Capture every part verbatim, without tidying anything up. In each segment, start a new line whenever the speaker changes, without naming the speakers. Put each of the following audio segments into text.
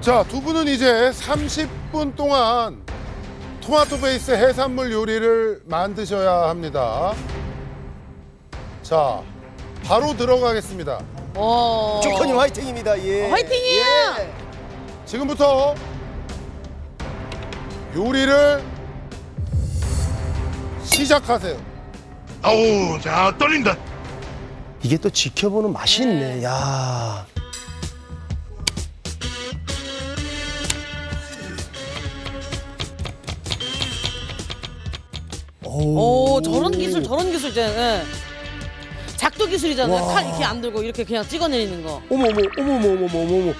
자, 두 분은 이제 삼십 분 동안 토마토 베이스 해산물 요리를 만드셔야 합니다. 자, 바로 들어가겠습니다.
오.
조커님 화이팅입니다. 예.
어, 화이팅이에요!
예.
지금부터 요리를 시작하세요.
아우, 자, 떨린다.
이게 또 지켜보는 맛이 있네. 야.
오, 저런 기술, 저런 기술 있잖아요. 예. 작두 기술이잖아요.
와.
칼 이렇게 안 들고 이렇게 그냥 찍어내리는 거.
어머 어머 어머 어머 어머 어머 어머.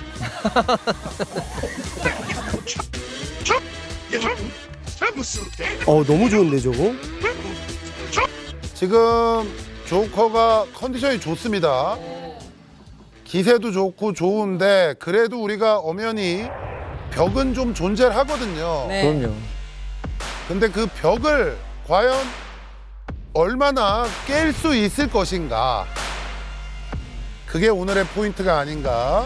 어 너무 좋은데 저거?
지금 조커가 컨디션이 좋습니다. 기세도 좋고 좋은데 그래도 우리가 엄연히 벽은 좀 존재를 하거든요.
네.
그럼요.
근데 그 벽을 과연 얼마나 깰 수 있을 것인가. 그게 오늘의 포인트가 아닌가.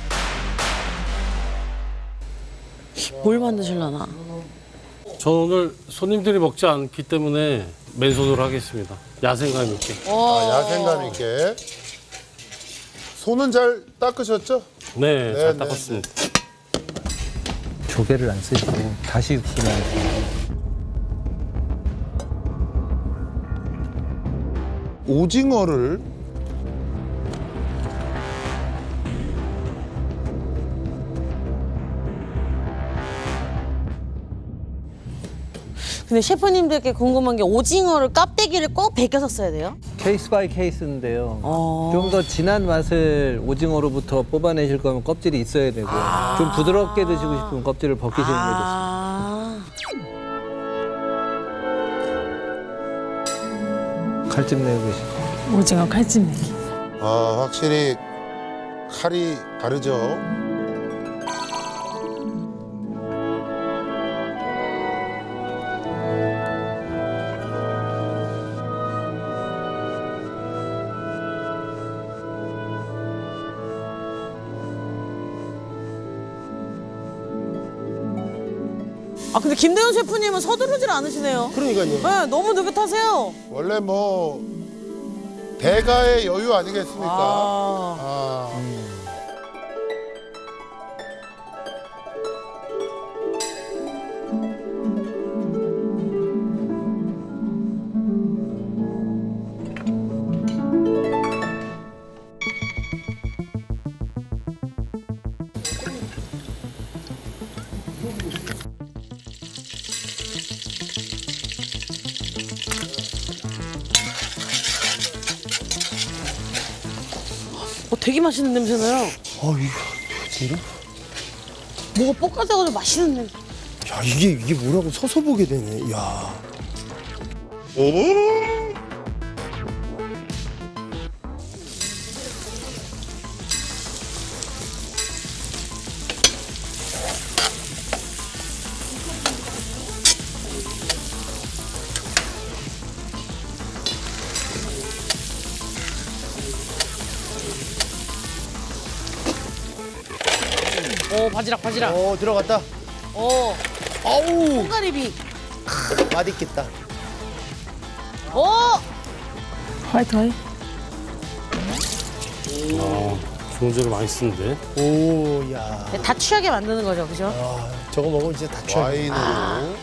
뭘 만드실라나?
저는 오늘 손님들이 먹지 않기 때문에 맨손으로 하겠습니다. 야생감 있게.
아, 야생감 있게. 손은 잘 닦으셨죠?
네,
네,
잘
네,
닦았습니다.
조개를 안 쓰시고 다시 육수만.
오징어를
근데 셰프님들께 궁금한 게 오징어를 껍데기를 꼭 벗겨서 써야 돼요?
케이스 바이 케이스인데요.
어.
좀 더 진한 맛을 오징어로부터 뽑아내실 거면 껍질이 있어야 되고 좀 부드럽게 드시고 싶으면 껍질을 벗기시는 게 좋습니다.
아.
칼집 내고 계시고.
오징어 칼집 내기.
아, 확실히 칼이 다르죠.
아 근데 김대현 셰프님은 서두르질 않으시네요.
그러니까요.
네, 너무 느긋하세요.
원래 뭐 대가의 여유 아니겠습니까?
아.
아.
어, 되게 맛있는 냄새 나요.
어 이거 진짜?
뭐가 볶아져가지고 맛있는 냄새.
야 이게 이게 뭐라고 서서 보게 되네. 야.
오,
오 바지락 바지락.
어 들어갔다.
오
아우
콩가리비.
맛있겠다.
오.
아, 좋은 재료 많이 쓰는데.
오 야.
다 취하게 만드는 거죠, 그죠?
아 저거 먹으면 진짜 다 취해.
와인으로.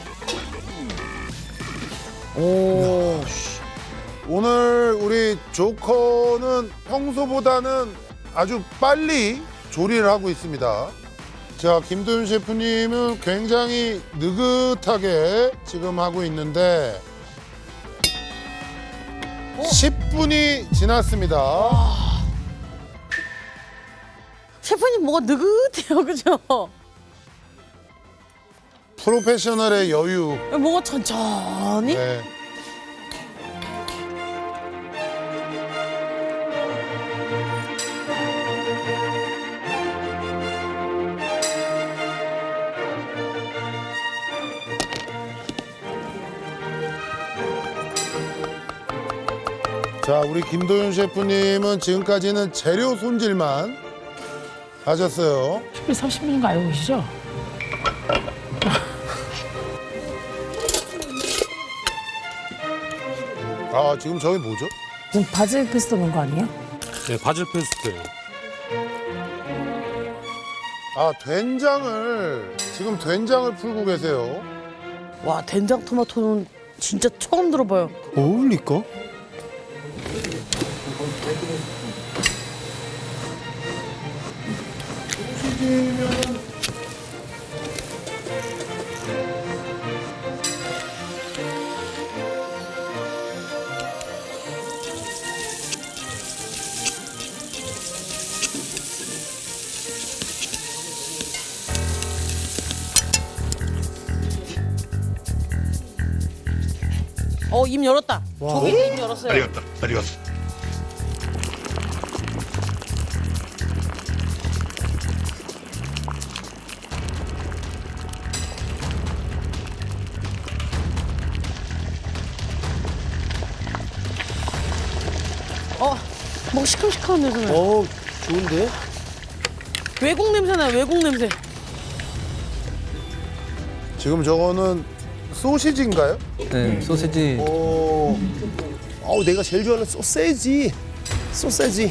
오.
오늘 우리 조커는 평소보다는 아주 빨리 조리를 하고 있습니다. 자, 김도윤 셰프님은 굉장히 느긋하게 지금 하고 있는데 십 분이 지났습니다.
셰프님 뭐가 느긋해요, 그죠?
프로페셔널의 여유.
뭐가 천천히?
네. 자, 우리 김도윤 셰프님은 지금까지는 재료 손질만 하셨어요.
식비 삼십 분인 거 알고 계시죠?
아, 지금 저기 뭐죠?
지금 바질 페스토 넣은 거 아니에요?
네, 바질 페스토예요.
아, 된장을 지금 된장을 풀고 계세요.
와 된장 토마토는 진짜 처음 들어봐요.
어울릴까?
어 입 열었다. 저기 입 열었어요.
아리갔다. 아리갔어.
뭐 시큼시큼한 냄새 나요.
어, 좋은데?
외국 냄새 나요. 외국 냄새.
지금 저거는 소시지인가요?
네, 소시지.
오, 어우, 내가 제일 좋아하는 소세지. 소세지.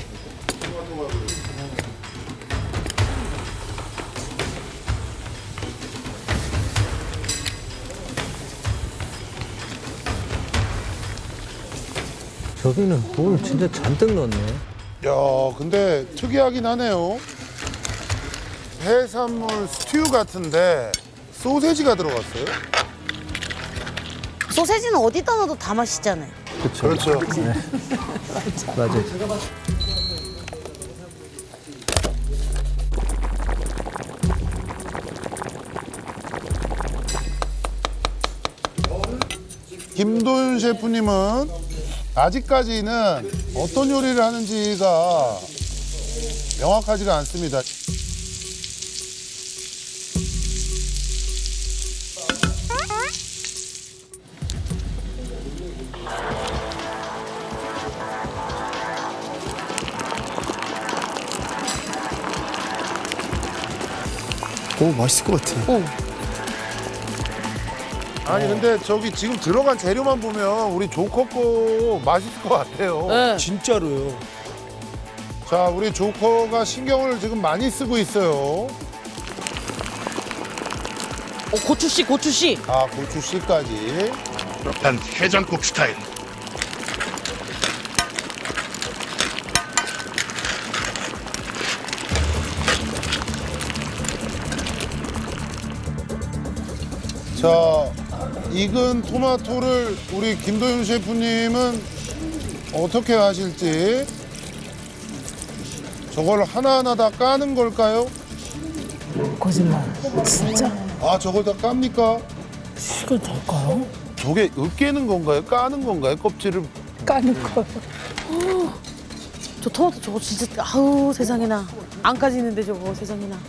저기는 뭘 진짜 잔뜩 넣었네.
야, 근데 특이하긴 하네요. 해산물 스튜 같은데 소세지가 들어갔어요?
소세지는 어디다 넣어도 다 맛있잖아요.
그렇죠.
그렇죠.
맞아요.
김도윤 셰프님은 아직까지는 어떤 요리를 하는지가 명확하지가 않습니다.
오, 맛있을 것 같아.
아니 근데 저기 지금 들어간 재료만 보면 우리 조커 거 맛있을 것 같아요.
네.
진짜로요.
자, 우리 조커가 신경을 지금 많이 쓰고 있어요.
어, 고추씨 고추씨.
아, 고추씨까지.
난 해장국 스타일.
자, 익은 토마토를 우리 김도윤 셰프님은 어떻게 하실지. 저걸 하나하나 다 까는 걸까요?
거짓말. 진짜?
아, 저걸 다 깝니까?
이걸 될까요?
저게 으깨는 건가요? 까는 건가요? 껍질을.
까는 거.
저 토마토 저거 진짜 아우 세상에나 안 까지는데 저거 세상에나.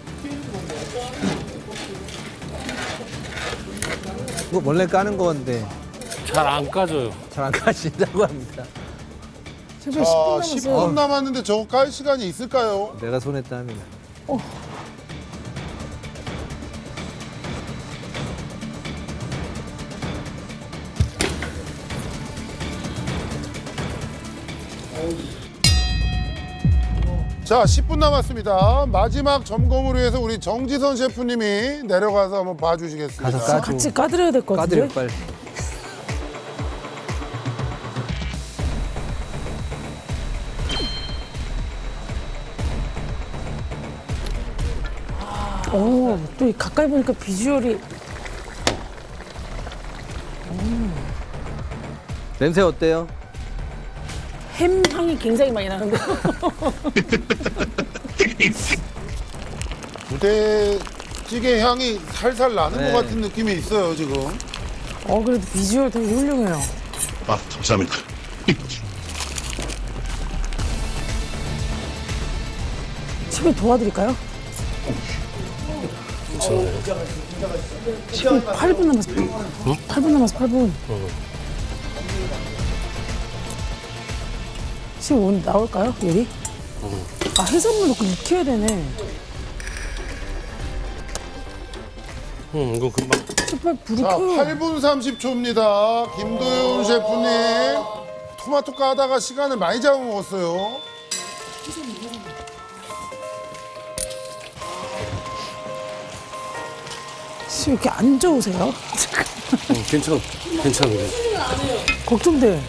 이거 원래 까는 건데
잘 안 까져요.
잘 안 까진다고 합니다.
지금
자,
십
십
분 남았어요.
분 남았는데 저거 깔 시간이 있을까요?
내가 손에 땀이나.
자, 십 분 남았습니다. 마지막 점검을 위해서 우리 정지선 셰프님이 내려가서 한번 봐주시겠습니다.
가서 까.
같이 까드려야 될 것 같은데?
까드려 빨리.
오, 또 가까이 보니까 비주얼이
냄새 어때요?
햄 향이 굉장히 많이 나는데.
부대찌개 향이 살살 나는
네.
것 같은 느낌이 있어요, 지금.
어, 그래도 비주얼 되게 훌륭해요.
아, 감사합니다.
집에 도와드릴까요? 지금 팔 분 남았어. 팔 분 남았어, 팔 분. 지금 오늘 나올까요, 요리? 아, 해산물 넣고 익혀야 되네.
응, 이거 금방.
셰프 불이
자,
켜요.
팔 분 삼십 초입니다. 김도윤 셰프님. 토마토 까다가 시간을 많이 잡아먹었어요.
씨, 왜 이렇게 안 좋으세요?
어, 괜찮아, 괜찮아. 그래.
걱정돼.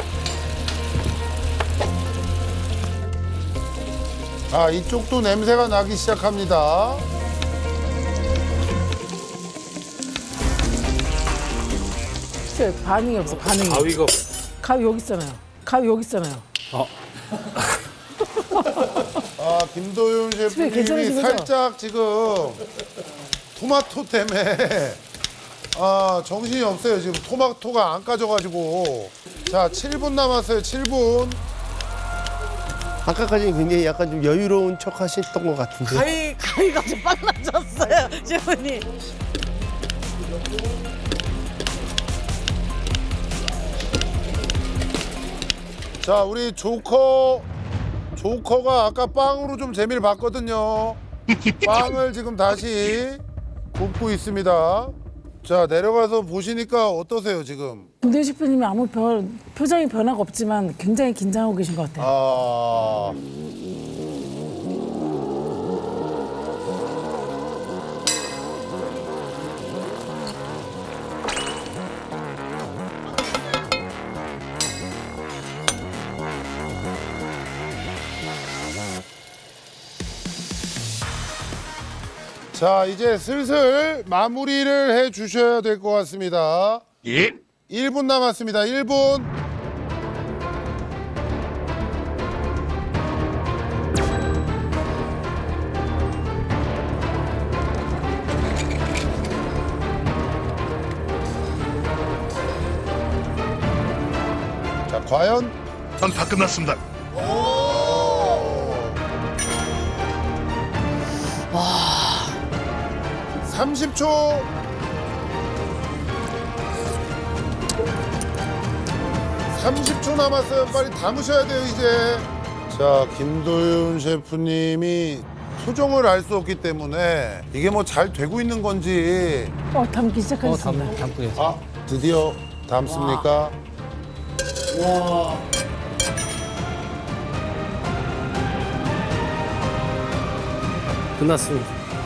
자, 이쪽도 냄새가 나기 시작합니다.
진짜 반응이 없어, 반응이.
가위가.
가위 여기 있잖아요. 가위 여기 있잖아요.
아,
아, 김도윤 셰프님이
괜찮으신 거죠?
살짝 지금 토마토 때문에 아, 정신이 없어요. 지금 토마토가 안 까져가지고. 자, 칠 분 남았어요. 칠 분.
아까까지 굉장히 약간 좀 여유로운 척 하셨던 것 같은데.
가위 가위가 좀 빨라졌어요, 셰프님.
자, 우리 조커, 조커가 아까 빵으로 좀 재미를 봤거든요. 빵을 지금 다시 굽고 있습니다. 자, 내려가서 보시니까 어떠세요, 지금?
김도희 셰프님이 아무 별, 표정이 변화가 없지만 굉장히 긴장하고 계신 것 같아요.
아, 자, 이제 슬슬 마무리를 해 주셔야 될 것 같습니다.
예.
일 분 남았습니다. 일 분. 자, 과연
전 다 끝났습니다.
삼십 초. 삼십 초 남았어요. 빨리 담으셔야 돼요, 이제. 자, 김도윤 셰프님이 표정을 알 수 없기 때문에 이게 뭐 잘 되고 있는 건지.
어, 담기
어,
시작하셨습니다.
담, 담고 계세요.
아, 드디어 담습니까?
끝났습니다.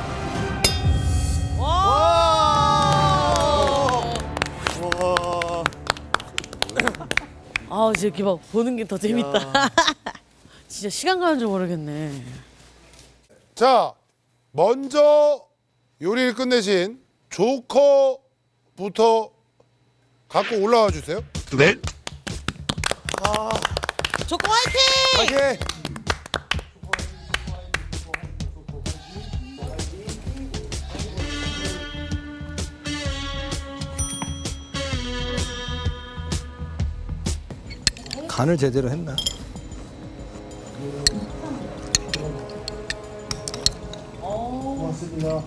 아, 이렇게 막 보는 게 더 재밌다. 진짜 시간 가는 줄 모르겠네.
자, 먼저 요리를 끝내신 조커부터 갖고 올라와 주세요.
네.
조커 화이팅!
오케이.
간을 제대로 했나?
고맙습니다.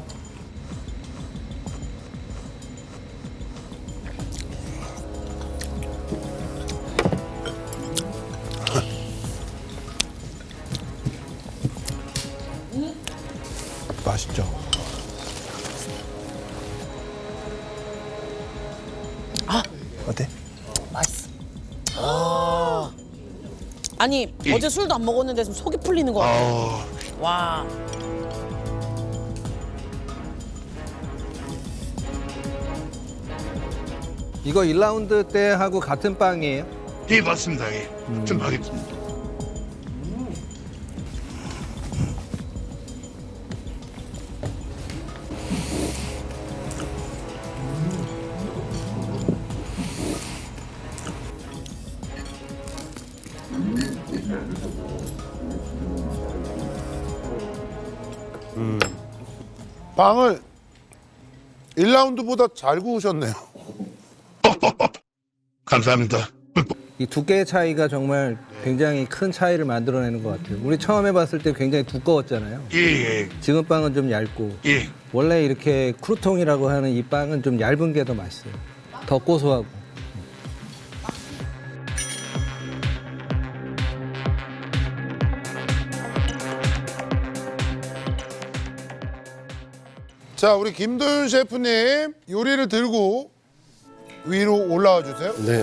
맛있죠?
어때?
아니, 어제 술도 안 먹었는데 지금 속이 풀리는 거 같아. 와.
이거 일 라운드 때 하고 같은 빵이에요?
예, 맞습니다. 예. 좀 하겠습니다.
빵을 일 라운드보다 잘 구우셨네요.
감사합니다.
이 두께의 차이가 정말 굉장히 큰 차이를 만들어내는 것 같아요. 우리 처음 해봤을 때 굉장히 두꺼웠잖아요.
예, 예,
지금 빵은 좀 얇고
예.
원래 이렇게 크루통이라고 하는 이 빵은 좀 얇은 게 더 맛있어요. 더 고소하고.
자, 우리 김도윤 셰프님 요리를 들고 위로 올라와 주세요.
네.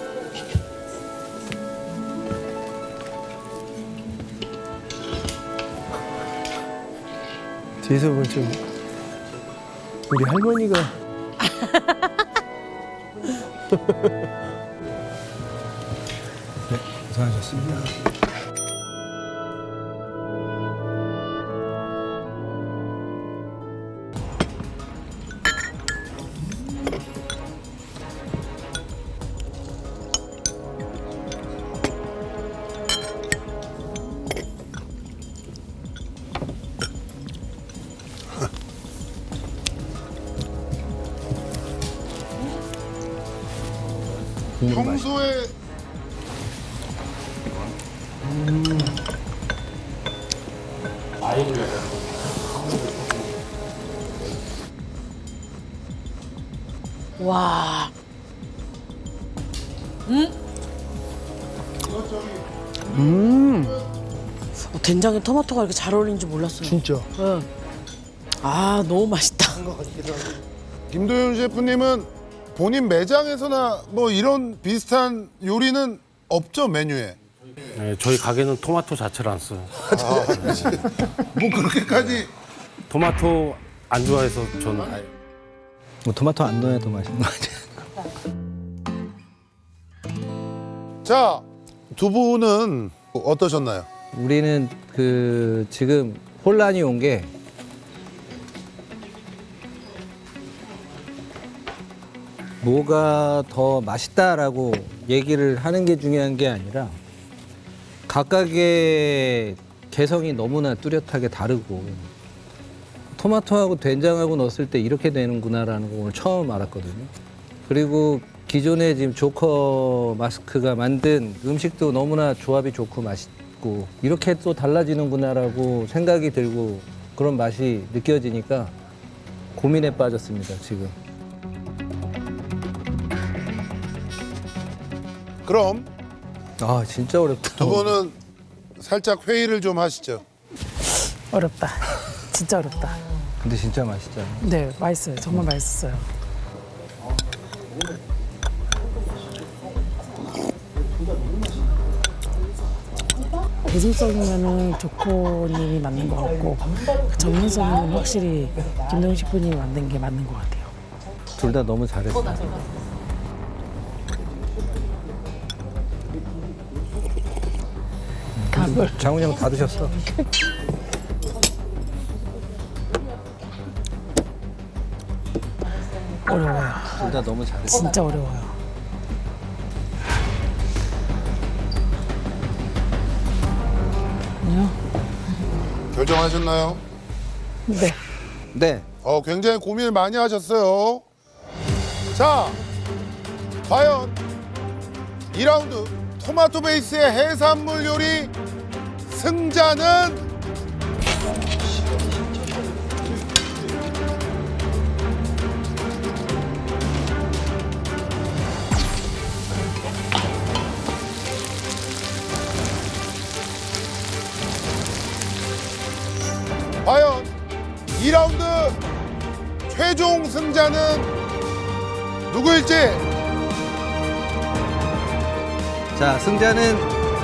뒤에서 보면 좀 우리 할머니가 네, 고생하셨습니다.
평소에
와. 어, 된장에 토마토가 이렇게 잘 어울리는 줄 몰랐어요.
진짜.
응. 아, 너무 맛있다.
김도윤 셰프님은 본인 매장에서나 뭐 이런 비슷한 요리는 없죠, 메뉴에.
네, 저희 가게는 토마토 자체를 안 써요.
뭐 그렇게까지.
토마토 안 좋아해서 저는 아예.
뭐 토마토 안 넣어야 더 맛있는 거 같아요.
자, 두 분은 어떠셨나요?
우리는 그 지금 혼란이 온 게 뭐가 더 맛있다라고 얘기를 하는 게 중요한 게 아니라 각각의 개성이 너무나 뚜렷하게 다르고 토마토하고 된장하고 넣었을 때 이렇게 되는구나라는 걸 오늘 처음 알았거든요. 그리고 기존에 지금 조커 마스크가 만든 음식도 너무나 조합이 좋고 맛있고 이렇게 또 달라지는구나라고 생각이 들고 그런 맛이 느껴지니까 고민에 빠졌습니다, 지금.
그럼
아, 진짜 어렵다.
두 분은 살짝 회의를 좀 하시죠.
어렵다. 진짜 어렵다.
근데 진짜 맛있잖아.
네, 맛있어요. 정말 맛있었어요. 대중성이면은 조코님이 맞는 것 같고 전문성이면 확실히 김동현 셰프님이 만든 게 맞는 것 같아요.
둘 다 너무 잘했어.
밥을
장훈이 형 다 드셨어.
어려워요.
둘 다 너무 잘했어.
진짜 어려워요. 아니요?
결정하셨나요?
네.
네.
어, 굉장히 고민을 많이 하셨어요. 자, 과연 이 라운드 토마토 베이스의 해산물 요리 승자는 과연 이 라운드 최종 승자는 누구일지.
자, 승자는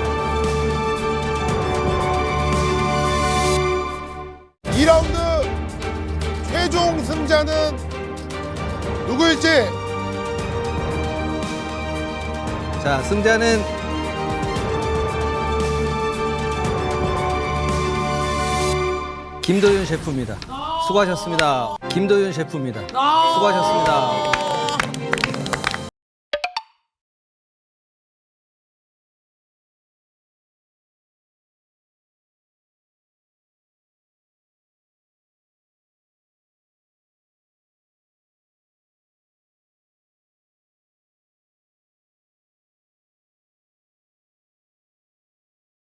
이 라운드 최종 승자는 누구일지.
자, 승자는 김도윤 셰프입니다. 수고하셨습니다. 김도윤 셰프입니다. 수고하셨습니다.